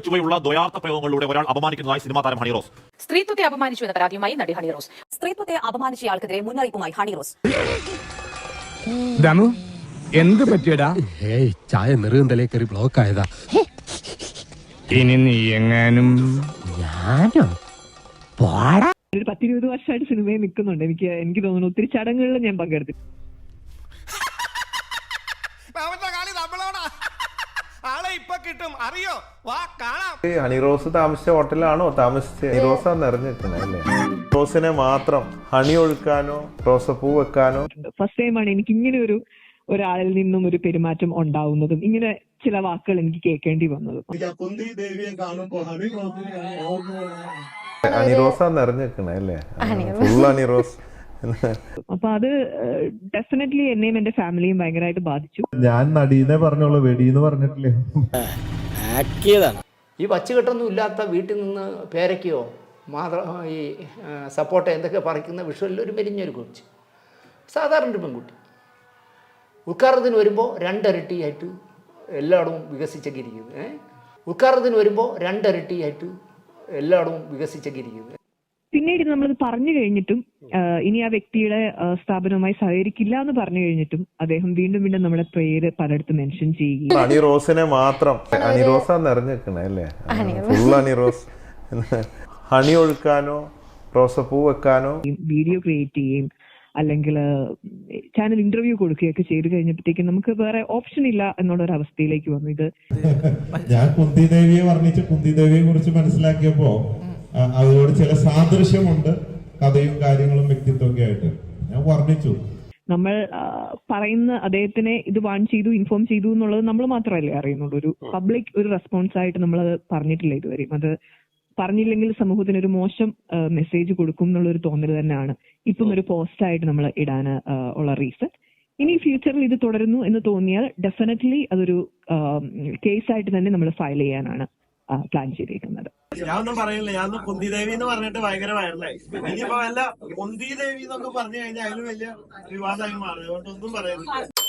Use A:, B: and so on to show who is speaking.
A: ചുവയുള്ള ദ്വയാർത്ഥ പ്രയോഗങ്ങളിലൂടെ ഒരാൾ അപമാനിക്കുന്നതായി സിനിമാ താരം ഹണി റോസ്.
B: സ്ത്രീത്വത്തെ അപമാനിച്ചു എന്ന പരാതിയുമായി നടി ഹണി റോസ്.
C: സ്ത്രീത്വത്തെ അപമാനിച്ചയാൾക്കെതിരെ മുന്നറിയിപ്പുമായി ഹണി റോസ്.
D: ദമു എന്ത് പറ്റിയടാ?
E: ചായ നെറുകന്തലേ കയറി ബ്ലോക്ക് ആയതാ.
D: ഇനി നീ എങ്ങാനും
E: ഞാനോ പോടാ.
F: ഒരു 10-20 വർഷമായിട്ട് സിനിമയിൽ നിൽക്കുന്നുണ്ട്. എനിക്ക് തോന്നുന്നു ഒത്തിരി ചടങ്ങുകളിൽ ഞാൻ പങ്കെടുത്തു.
G: ഹണി റോസ് താമസിച്ച ഹോട്ടലാണോ താമസിച്ച ഹണി റോസാന്ന് അറിഞ്ഞിരിക്കുന്നത് അല്ലേ? റോസിനെ മാത്രം ഹണി ഒഴുക്കാനോ റോസപ്പൂ വെക്കാനോ.
F: ഫസ്റ്റ് ടൈമാണ് എനിക്ക് ഇങ്ങനെ ഒരാളിൽ നിന്നും ഒരു പെരുമാറ്റം ഉണ്ടാവുന്നതും ഇങ്ങനെ ചില വാക്കുകൾ എനിക്ക് കേൾക്കേണ്ടി വന്നതും.
G: ഹണി റോസാന്ന് അറിഞ്ഞിരിക്കുന്നത് അല്ലേ? ഫുൾ ഹണി റോസ്.
F: അപ്പൊ അത് ഡെഫിനറ്റ്ലി എന്നെയും എന്റെ ഫാമിലിയും ഭയങ്കരമായിട്ട് ബാധിച്ചു.
G: ഞാൻ നടീനെ പറഞ്ഞോളൂ, വെടിന്ന് പറഞ്ഞിട്ടില്ലേ.
H: ഈ വച്ചുകെട്ടൊന്നും ഇല്ലാത്ത വീട്ടിൽ നിന്ന് പേരയ്ക്കോ ഈ സപ്പോർട്ട എന്തൊക്കെ പറിക്കുന്ന വിഷുവലിൽ ഒരു മെലിഞ്ഞൊരു കൊച്ച്, സാധാരണ ഒരു പെൺകുട്ടി ഉദ്ഘാടനത്തിന് വരുമ്പോൾ രണ്ടരട്ടിയായിട്ട് എല്ലായിടവും വികസിച്ചൊക്കെ ഇരിക്കുന്നത്. ഉദ്ഘാടനത്തിന് വരുമ്പോൾ രണ്ടരട്ടിയായിട്ട് എല്ലായിടവും വികസിച്ചൊക്കെ ഇരിക്കുന്നത്.
F: പിന്നീട് നമ്മളത് പറഞ്ഞു കഴിഞ്ഞിട്ടും ഇനി ആ വ്യക്തിയുടെ സ്ഥാപനവുമായി സഹകരിക്കില്ല എന്ന് പറഞ്ഞു കഴിഞ്ഞിട്ടും അദ്ദേഹം വീണ്ടും വീണ്ടും നമ്മുടെ പേര് പലയിടത്തും മെൻഷൻ ചെയ്യുകയും
G: ഹണി റോസിനെ മാത്രം ഹണി റോസാന്ന് അറിഞ്ഞിരിക്കുന്നത് അല്ലേ? ഫുൾ ഹണി റോസ്. ഹണി ഒഴുക്കാനോ റോസപ്പൂ വെക്കാനോ
F: വീഡിയോ ക്രിയേറ്റ് ചെയ്യുകയും അല്ലെങ്കിൽ ചാനൽ ഇന്റർവ്യൂ കൊടുക്കുകയൊക്കെ ചെയ്തു കഴിഞ്ഞപ്പോഴത്തേക്കും നമുക്ക് വേറെ ഓപ്ഷൻ ഇല്ല എന്നുള്ള ഒരു അവസ്ഥയിലേക്ക് വന്നു. ഇത്
I: ഞാൻ കുന്തിദേവിയെ വർണ്ണിച്ച് കുന്തിദേവിയെ കുറിച്ച് മനസ്സിലാക്കിയപ്പോ അതിനോട് ചില സാദൃശ്യമുണ്ട്, കഥയും കാര്യങ്ങളും വ്യക്തിത്വമൊക്കെ ആയിട്ട് ഞാൻ വർണ്ണിച്ചു.
F: നമ്മൾ പറയുന്ന അദ്ദേഹത്തിനെ ഇത് വാൺ ചെയ്തു ഇൻഫോം ചെയ്തു എന്നുള്ളത് നമ്മൾ മാത്രമല്ലേ അറിയുന്നുള്ളൂ. ഒരു പബ്ലിക് ഒരു റെസ്പോൺസ് ആയിട്ട് നമ്മൾ പറഞ്ഞിട്ടില്ല ഇതുവരെയും. അത് പറഞ്ഞില്ലെങ്കിൽ സമൂഹത്തിന് ഒരു മോശം മെസ്സേജ് കൊടുക്കും എന്നുള്ളൊരു തോന്നൽ തന്നെയാണ് ഇപ്പം ഒരു പോസ്റ്റായിട്ട് നമ്മൾ ഇടാൻ ഉള്ള റീസൺ. ഇനി ഫ്യൂച്ചറിൽ ഇത് തുടരുന്നു എന്ന് തോന്നിയാൽ ഡെഫിനറ്റ്ലി അതൊരു കേസായിട്ട് തന്നെ നമ്മൾ ഫയൽ ചെയ്യാനാണ് പ്ലാൻ ചെയ്തിരിക്കുന്നത്.
J: ഞാനൊന്നും പറയില്ല, ഞാനൊന്നും കുന്തിദേവി എന്ന് പറഞ്ഞിട്ട് ഭയങ്കര വൈറലായി. ഇനിയിപ്പോ വല്ല കുന്തിദേവി എന്നൊക്കെ പറഞ്ഞു കഴിഞ്ഞാൽ അതിലും വലിയ വിവാദമായി മാറും. അതുകൊണ്ടൊന്നും പറയുന്നില്ല.